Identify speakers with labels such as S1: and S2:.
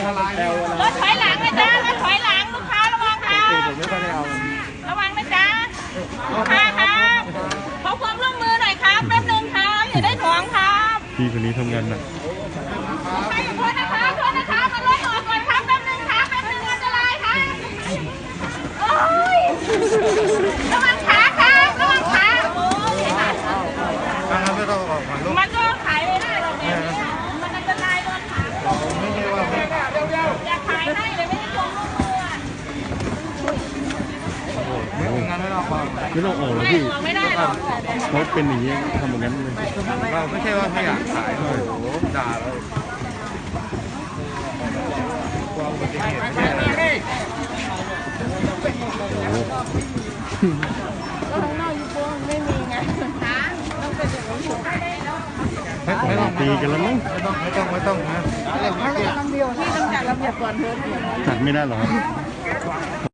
S1: รถถอยหลังนะจ๊ะรถถอยหลังลูกค้าระวังค่ะระวังนะจ๊ะลูกค้าครับขอความร่วมมือหน่อยครับแป๊บนึงครับอย่าได้ถ่วงครับ
S2: พี่คนนี้ทำงานหนัก
S1: ใครอยู่โทษนะคะโทษนะคะมารถออกก่อนครับแป๊บนึงครับแป๊บนึงอันตรายครับโอ้ยระวังขาครับระวังขาโอ้ย
S3: ไม่ต้องออกมาลูก
S1: มันก็ขายไม่ได้หรอกเนี่ยมันอันตรายโดนขา
S3: ไม่ใช่ว่าไม่
S1: อยากขายให้เลยไม่ได้ทวงลูกมือ
S3: ไม่งานไม่ต้องออก
S2: ไม่ต้องออกหรอก
S1: ไม่
S2: พี่
S1: ออกไม่ได้หรอก
S2: เขาเป็นอย่างนี้ทำแบบนั้นเลย
S3: เราไม่ใช่ว่าไม่อยากขายโอ้โหด่าเลยความอุบัติเหตุไม่ใช่อะไร
S2: โอ้โห
S1: ก็ข้างนอกยูโฟมไม่มีไงคะต้องเป็นอย่างนี้อยู่
S3: ไม่ต้อง
S2: ตีกันแล้วมั้ง
S3: ไม่ต้องนะ
S1: ที่ต้องจัดระเบียบก่อนเถอะ
S2: จัดไม่ได้หรอครับ